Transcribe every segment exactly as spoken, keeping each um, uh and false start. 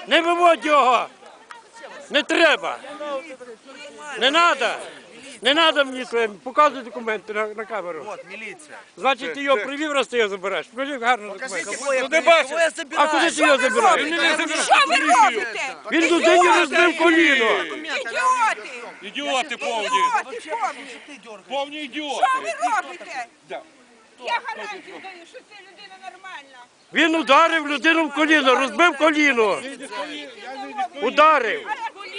Не виводь його! Не треба! Не треба! Не треба мені це. Показуй документи на, на камеру. Вот, міліція. Значить, ти його привів, раз ти його забереш. Покажи гарно документи. Кого я Ну, привів? ти бачиш? Кого я А куди ти його забираєш? Що ви робите? Він людині розбив коліно. Ідіоти! Ідіоти повні. Ідіоти повні! Повні ідіоти. Що ви робите? Я гарантію даю, що це людина нормальна. Він ударив людину в коліно, розбив коліно. Ударив.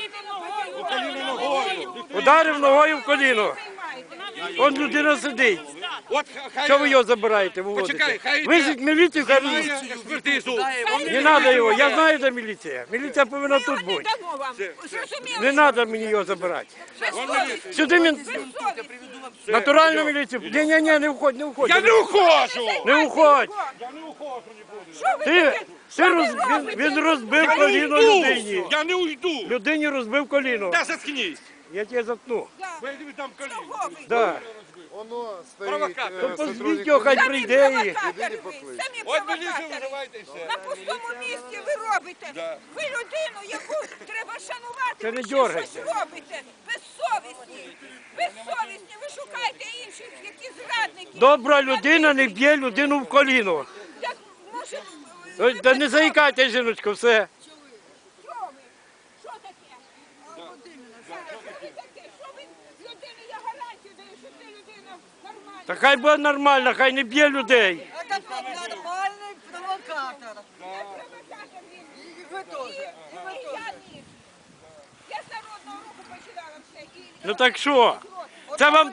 Ударив ногою в коліно. Он людина сидить. От хай Що ви його забираєте, Почекай, виводите? хай Визіть міліцію, хай має вивезуть. експертизу. Не треба його, я знаю, де міліція. Міліція повинна тут Не бути. дамо вам. Зрозуміли? Не треба мені його забирати. Безсовісні. Сюди мені Безсовісні. натуральну міліцію. Ні, ні, ні, не уходь, не уходь. Я не ухожу. Не уходь. Що ви Ти, таке? ти роз, він, він розбив Я не коліно уйду. людині. Я не уйду. Людині розбив коліно. Та заткнись. Я тебе заткну. Бо я тобі там коліно. Чого ви? Да. Воно стоїть Провокатор. е, То позвіть сотрудник його, хай Самі прийде і... провокатори ви, самі От міліцію провокатори. визивайте і все. На пустому місці ви робите. Да. Ви людину, яку треба шанувати, Це ви не ще дьоргайся. щось робите. Безсовісні. Безсовісні. Ви шукаєте інших, які зрадники. Добра людина не б'є людину в коліно. Так, може, Ой, Та не заїкайте, жіночко, все. Що ви? Що таке? Що ви таке? Що ви людини, я гарантію даю, що це людина нормальна. Та хай буде нормально, хай не б'є людей. Это нормальный провокатор. Провокатор він. И вы тоже. І ви я ні. Я з народного руху починала все. І- Ну так що? Це вам